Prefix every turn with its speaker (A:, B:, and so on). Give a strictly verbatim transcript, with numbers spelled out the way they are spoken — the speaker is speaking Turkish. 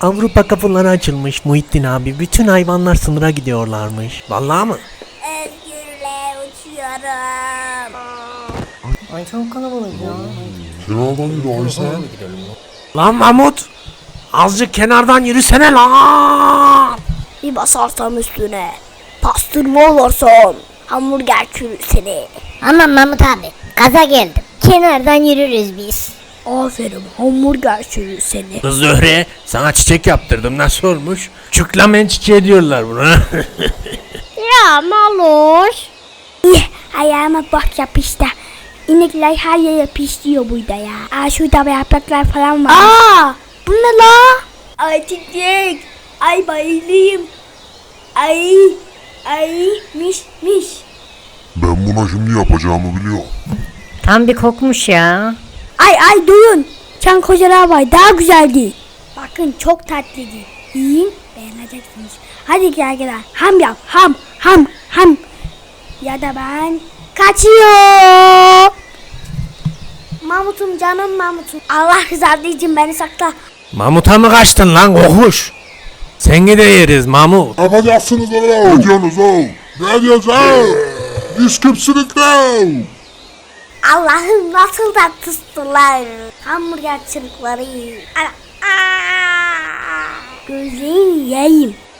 A: Avrupa kapıları açılmış Muhittin abi. Bütün hayvanlar sınıra gidiyorlarmış. Vallahi mı?
B: Özgürle uçuyorum.
C: Ay çok kalabalık ya.
D: Kenardan yürü Aysel.
A: Lan Mahmut! Azıcık kenardan yürüsene lan!
B: Bir basarsam üstüne. Pastırma olursun. Hamburger çürür seni.
C: Aman Mahmut abi gaza geldim. Kenardan yürürüz biz.
B: Aferin hamburger çürür seni.
A: Kız Zöhre, sana çiçek yaptırdım. Nasıl olmuş? Çüklamen çiçeği diyorlar buna.
C: Ya Maloş.
B: İh, ayağıma bak yapıştı. İnekler her yere yapıştırıyor burada ya. Aa şurada yapraklar falan var. Aa bu ne la? Ay çiçek. Ay bayılayım. Ay. Ay miş miş.
D: Ben buna şimdi yapacağımı biliyorum.
C: Tam bir kokmuş ya.
B: Ay ay duyun. Çan kocalar var daha güzeldi. Bakın çok tatlıydı. Yiyin beğeneceksiniz. Hadi gel gel. Ham yap ham ham ham. Ya da ben kaçıyor. Mahmut'um canım Mahmut'um. Allah rızası için beni sakla.
A: Mahmut'a mı kaçtın lan kokuş? Seni de yeriz Mahmut.
D: Ne yapacaksınız oğlum? Ne diyorsunuz oğlum? Ne diyorsunuz? Siz kimsiniz lan?
B: Allah'ım nasıl da tıstular. Hamburger çırıkları. Ana. Aa! Gözlerini yiyeyim.